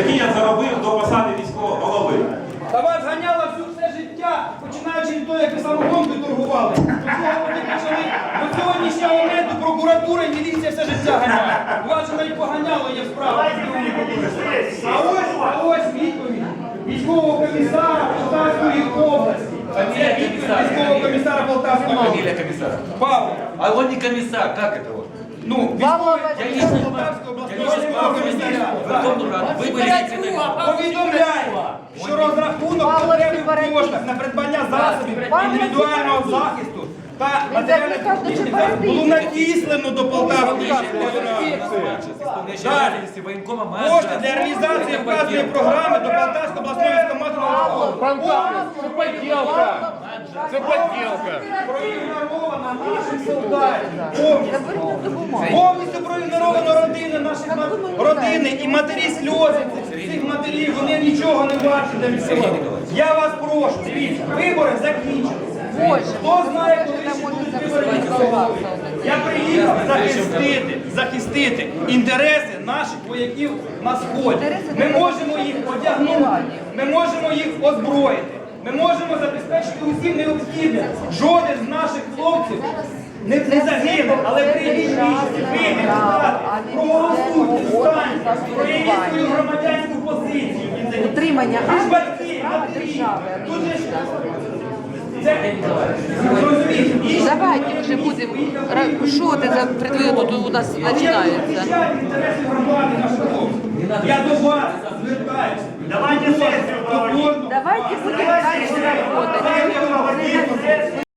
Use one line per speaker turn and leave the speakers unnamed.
який я заробив до посади міського голови.
Та вас ганяло все життя, починаючи від того, як ви самогонкою торгували. До сьогоднішнього моменту прокуратура і міліція все життя ганяє. У вас же навіть поганяло є справа. А ось відповідь військового комісара Полтавської області. Це відповідь військового комісара Полтавської області.
Фамилия комиссара.
Павло.
А он не комиссар, как это вот?
Ну, військовий Полтавської обласного комісаря. Повідомляємо, що розрахунок потребних коштів на придбання засобів індивідуального захисту та матеріально-технічних засобів було надіслано до Полтавської міської ради. Кошти для реалізації вказаної програми до Полтавської обласної військкомату
Це поділка. Це поділка.
проігнорована наших солдатів. Повністю проігноровано родини наших родини і матері сльози цих матерів, вони нічого не бачать для місцевого. Я вас прошу, дивіться, вибори закінчилися. Хто знає, коли ще будуть вибори міського? Я приїхав захистити інтереси наших вояків на сході. Ми можемо їх одягнути, ми можемо їх озброїти, ми можемо забезпечити усім необхідним. Жоден з наших хлопців не загине, але прийдіть рішення, вийдіть, проголосуйте, встаньте, проявіть свою громадянську позицію.
Утримання
Ви ж батьки, матері, тут же ж...
Давайте вже будемо. Що це за предвибор тут у нас починається?
Я до вас звертаюся.
Давайте сесію проводити.
Давайте будемо далі працювати.